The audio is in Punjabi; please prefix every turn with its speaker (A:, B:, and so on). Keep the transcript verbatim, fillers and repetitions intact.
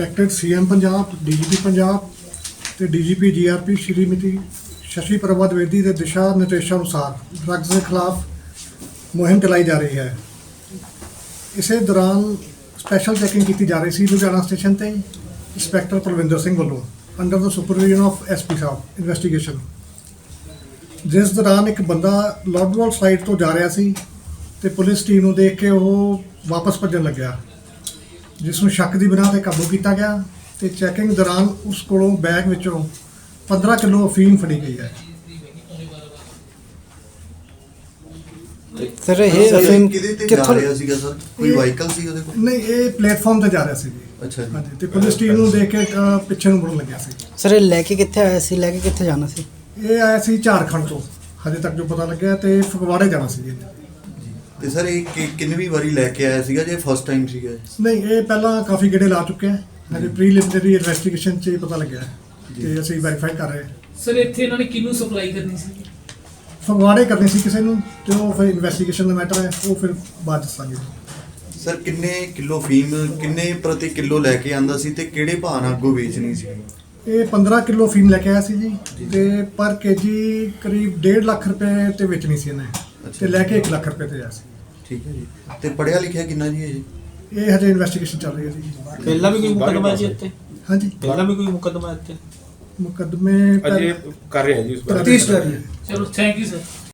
A: Respected CM Punjab, DGP Punjab ਤੇ ਡੀਜੀਪੀ ਜੀਆਰਪੀ ਸ਼੍ਰੀਮਤੀ ਸ਼ਸ਼ੀ ਪ੍ਰਭਾ द्विवेदी ਦੇ ਦਿਸ਼ਾ ਨਿਰਦੇਸ਼ਾਂ ਅਨੁਸਾਰ ਡਰੱਗਸ ਦੇ ਖਿਲਾਫ ਮੁਹਿੰਮ ਚਲਾਈ ਜਾ ਰਹੀ ਹੈ। ਇਸੇ ਦੌਰਾਨ ਸਪੈਸ਼ਲ ਚੈਕਿੰਗ ਕੀਤੀ ਜਾ ਰਹੀ ਸੀ ਲੁਧਿਆਣਾ ਸਟੇਸ਼ਨ ਤੇ ਇੰਸਪੈਕਟਰ ਪਰਵਿੰਦਰ ਸਿੰਘ ਵੱਲੋਂ under the supervision of SP Sahib investigation. ਜਿਸ ਦੌਰਾਨ ਇੱਕ ਬੰਦਾ ਲੋਡਵਾਲ ਸਾਈਡ ਤੋਂ ਜਾ ਰਿਹਾ ਸੀ ਤੇ ਪੁਲਿਸ ਟੀਮ ਨੂੰ ਦੇਖ ਕੇ ਉਹ ਵਾਪਸ ਭੱਜਣ ਲੱਗਿਆ, ਜਿਸ ਨੂੰ ਸ਼ੱਕ ਦੀ ਬਿਨਾਂ ਤੇ ਕਾਬੂ ਕੀਤਾ ਗਿਆ ਤੇ ਚੈਕਿੰਗ ਦੌਰਾਨ ਉਸ ਕੋਲੋਂ ਬੈਗ ਵਿੱਚੋਂ ਪੰਦਰਾਂ ਕਿਲੋ ਅਫੀਮ ਫੜੀ ਗਈ ਹੈ।
B: ਸਰ ਇਹ ਅਫੀਮ
C: ਕਿਹਦੇ ਤੇ ਜਾ ਰਿਹਾ ਸੀਗਾ ਸਰ? ਕੋਈ ਵਾਹੀਕਲ ਸੀ ਉਹਦੇ ਕੋਲ?
A: ਨਹੀਂ, ਇਹ ਪਲੇਟਫਾਰਮ ਤੇ ਜਾ ਰਿਹਾ ਸੀ ਜੀ।
C: ਅੱਛਾ ਜੀ।
A: ਹਾਂਜੀ, ਤੇ ਪੁਲਿਸ ਟੀਮ ਨੂੰ ਦੇਖ ਕੇ ਅ, ਪਿੱਛੇ ਨੂੰ ਮੁੜਨ ਲੱਗਿਆ ਸੀ।
B: ਸਰ ਇਹ ਲੈ ਕੇ ਕਿੱਥੇ ਆਇਆ ਸੀ, ਲੈ ਕੇ ਕਿੱਥੇ ਜਾਣਾ ਸੀ?
A: ਇਹ ਆਇਆ ਸੀ ਝਾਰਖੰਡ ਤੋਂ, ਹਜੇ ਤੱਕ ਜੋ ਪਤਾ ਲੱਗਿਆ, ਤੇ ਫਗਵਾੜੇ ਜਾਣਾ ਸੀ ਜੀ।
C: ਤੇ ਸਰ ਇਹ ਕਿ- ਕਿੰਨਵੀਂ ਵਾਰੀ ਲੈ ਕੇ ਆਇਆ ਸੀਗਾ ਜੇ ਫਸਟ ਟਾਈਮ ਸੀਗਾ?
A: ਨਹੀਂ, ਇਹ ਪਹਿਲਾਂ ਕਾਫੀ ਗੇੜੇ ਲਾ ਚੁੱਕਿਆ ਹੈ। ਹਜੇ ਪ੍ਰੀਲਿਮਿਨਰੀ ਇਨਵੈਸਟੀਗੇਸ਼ਨ 'ਚ ਇਹ ਪਤਾ ਲੱਗਿਆ ਹੈ ਤੇ ਅਸੀਂ ਵੈਰੀਫਾਈ ਕਰ ਰਹੇ ਹਾਂ।
D: ਸਰ ਇੱਥੇ ਇਹਨਾਂ ਨੇ ਕਿਹਨੂੰ ਸਪਲਾਈ ਕਰਨੀ ਸੀ?
A: ਫਗਵਾੜੇ ਕਰਨੀ ਸੀ ਕਿਸੇ ਨੂੰ, ਤੇ ਉਹ ਫਿਰ ਇਨਵੈਸਟੀਗੇਸ਼ਨ ਦਾ ਮੈਟਰ ਹੈ, ਉਹ ਫਿਰ ਬਾਅਦ ਦੱਸਾਂਗੇ।
C: ਸਰ ਕਿੰਨੇ ਕਿਲੋ ਫੀਮ ਕਿੰਨੇ ਪ੍ਰਤੀ ਕਿਲੋ ਲੈ ਕੇ ਆਂਦਾ ਸੀ ਤੇ ਕਿਹੜੇ ਭਾਅ ਨਾਲ ਅੱਗੋਂ ਵੇਚਣੀ ਸੀ?
A: ਇਹ ਪੰਦਰਾਂ ਕਿਲੋ ਫੀਮ ਲੈ ਕੇ ਆਇਆ ਸੀ ਜੀ, ਤੇ ਪਰ ਕੇਜੀ ਕਰੀਬ ਡੇਢ ਲੱਖ ਰੁਪਏ ਤੇ ਵੇਚਣੀ ਸੀ ਇਹਨੇ, ਤੇ ਲੈ ਕੇ ਇੱਕ ਲੱਖ ਰੁਪਏ ਤੇ ਆਇਆ ਸੀ।
C: ਠੀਕ ਹੈ ਜੀ। ਤੇ ਪੜਿਆ ਲਿਖਿਆ ਕਿੰਨਾ ਜੀ ਇਹ?
A: ਇਹ ਹਜੇ ਇਨਵੈਸਟੀਗੇਸ਼ਨ ਚੱਲ ਰਹੀ ਹੈ ਜੀ।
E: ਪਹਿਲਾਂ ਵੀ ਕੋਈ ਮੁਕੱਦਮਾ ਹੈ ਜੀ ਇੱਥੇ?
A: ਹਾਂਜੀ,
E: ਪਹਿਲਾਂ ਵੀ ਕੋਈ ਮੁਕੱਦਮਾ ਹੈ ਇੱਥੇ?
A: ਮੁਕੱਦਮੇ
F: ਅਜੇ ਕਰ ਰਹੇ ਹਾਂ ਜੀ ਇਸ ਬਾਰੇ।
A: ਤਫਤੀਸ਼ ਜਾਰੀ ਹੈ।
D: ਚਲੋ ਥੈਂਕ ਯੂ ਸਰ।